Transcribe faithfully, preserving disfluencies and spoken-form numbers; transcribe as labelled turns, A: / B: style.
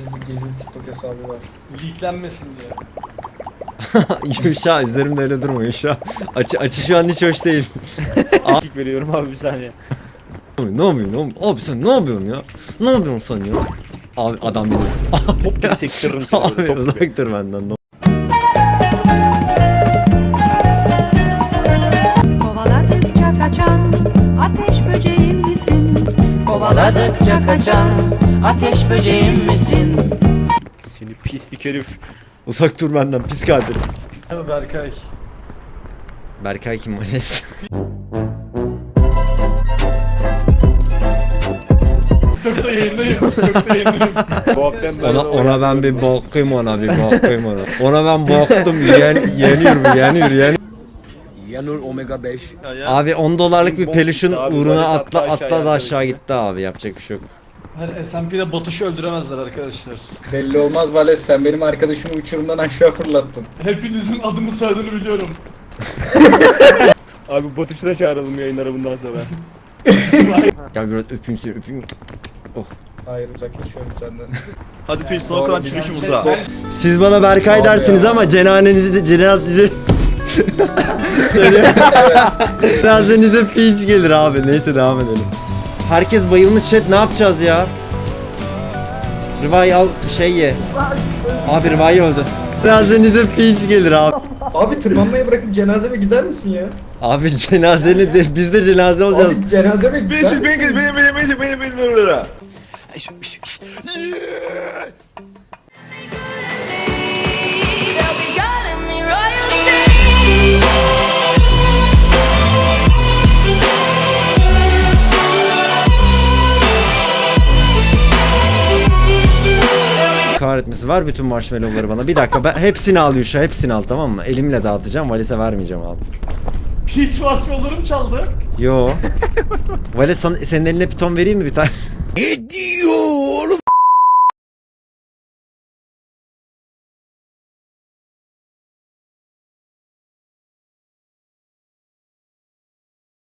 A: gizli gizli TikTok hesabı var. Leaklenmesin diye.
B: Yuşa üzerimde öyle durma Yuşa. Açı, açı şu an hiç hoş değil.
C: Kick veriyorum abi bir saniye.
B: Abi ne yapıyorsun oğlum? Abi sen ne yapıyorsun ya? Ne yapıyorsun sen ya? Abi adam beni.
C: Top gibi sektiririm seni
B: Abi
C: böyle top gibi.
B: uzak dur benden.
D: Kovaladıkça kaçan ateş böceğim misin? Kovaladıkça kaçan ateş böceğim misin?
C: Seni pislik herif.
B: Uzak dur benden pis kadir.
A: Ama Berkay.
B: Berkay kim Vales?
A: TikTok'ta yayındayım. TikTok'ta yayındayım.
C: Bu haftan ben
B: Ona, ona ben bir bakayım ona bir bakayım ona. Ona ben baktım yen, yeniyor bu yeniyor yeniyor.
E: Yanur Omega beş.
B: Abi on dolarlık bir
C: Bok
B: peluşun
C: gitti abi,
B: uğruna
C: Vales
B: atla
C: attı
B: atla
C: aşağıya
B: da aşağı
C: arkadaşlar.
B: gitti abi yapacak bir şey yok.
A: Hani S and P'de Batuş'u öldüremezler arkadaşlar.
F: Belli olmaz Vales, sen benim arkadaşımı uçurumdan aşağı fırlattın.
A: Hepinizin adını soyadını biliyorum.
C: Abi Batuş'u da çağıralım yayınlara bundan sonra.
B: Gel biraz öpeyim seni öpeyim.
F: Hayır, uzaklaşıyorum senden.
G: Hadi peşin o kadar çürük burada.
B: Siz bana Berkay
F: Abi
B: dersiniz
F: ya.
B: ama cenazenizi cenazenizi Söylüyorum. Cenazenize piç gelir abi. Neyse devam edelim. Herkes bayılmış chat, ne yapacağız ya? Rıvay al şey ye. Abi Rıvay öldü. Cenazenize piç gelir abi.
F: Abi tırmanmayı bırakıp cenazeme gider misin ya?
B: Abi cenazeni de biz de cenaze olacağız.
F: Abi cenazeme gider
G: Benim
F: misin?
G: benim benim benim benim benim benim benim lira.
B: Kahretmesi var bütün marshmallowları bana. Bir dakika ben hepsini al Yuşa, hepsini al tamam mı? Elimle dağıtacağım. Valis'e vermeyeceğim abi.
A: Hiç marshmallow'larım çaldı.
B: Yo. Valis sana, senin eline piton vereyim mi bir tane?
E: Ne diyor oğlum?